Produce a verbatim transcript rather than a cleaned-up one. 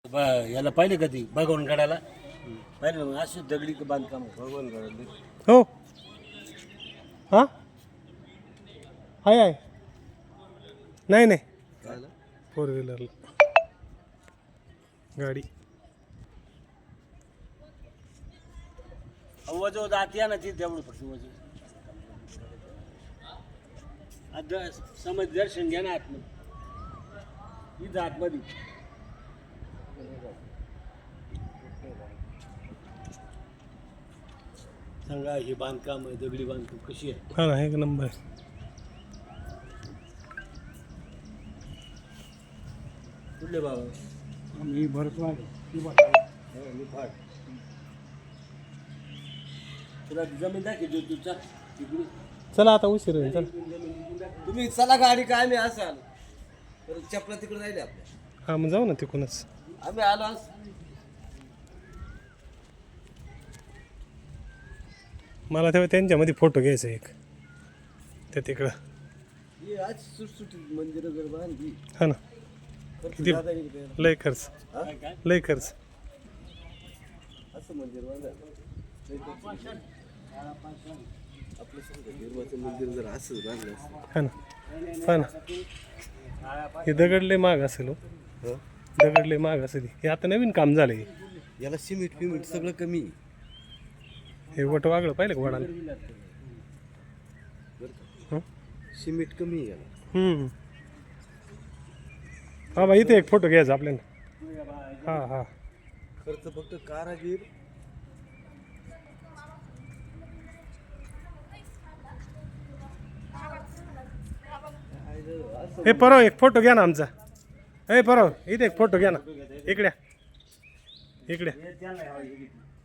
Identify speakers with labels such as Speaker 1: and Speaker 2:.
Speaker 1: याला पाहिले कधी भगवान गडाला पाहिलं मग अशी दगडी बांधकाम भगवान गडाला.
Speaker 2: हो हां आहे आहे नाही नाही फोर व्हीलरला गाडी
Speaker 1: वजो जात या ना ती तेवढं फक्त वजो आता समज दर्शन घ्या ना आतमध्ये ही आतमध्ये सांगा हे बांधकाम आहे दगडी बांधकाम कशी आहे.
Speaker 2: हा ना एक नंबर
Speaker 1: कुठले बाबा
Speaker 3: मी भरतो
Speaker 1: फाट तुला जमीन दाखी जो तुझा तिकडे
Speaker 2: चला आता उशीर होईल चल
Speaker 1: तुम्ही चला गाडी काय आम्ही असं आलो तर चपला तिकडे राहिले आपल्या
Speaker 2: हा मग जाऊ ना तिकडूनच
Speaker 1: आम्ही आलो आज
Speaker 2: मला तेव्हा त्यांच्यामध्ये फोटो घ्यायचा एक त्या तिकडं
Speaker 1: ही आज सुटसुटीत मंदिरं जर बांधली
Speaker 2: हा ना
Speaker 1: तर
Speaker 2: किती
Speaker 1: जाता येईल का?
Speaker 2: लय खर्च
Speaker 1: हा? काय
Speaker 2: लय खर्च
Speaker 1: असं मंदिर बांधायला लय खर्च. आपलं समजा देवाचं मंदिर जर असं बांधलं असतं
Speaker 2: हा ना हा ना हे दगड लय महाग असेल हो
Speaker 1: हं?
Speaker 2: दगड लय महाग असेल हे आता नवीन काम झालंय
Speaker 1: याला सिमेंट फिमेंट सगळं कमी आहे.
Speaker 2: हे वट वागलं पाहिलं का वडाला
Speaker 1: बरं का?
Speaker 2: हं?
Speaker 1: सिमेंट कमी आहे याला.
Speaker 2: हम्म हा बा इथे एक फोटो घ्यायचा आपल्याला हा हा
Speaker 1: खर्च फक्त कारागीर
Speaker 2: हे परव एक फोटो घ्या ना आमचा हे परव इथे एक फोटो घ्या ना इकड्या इकड्या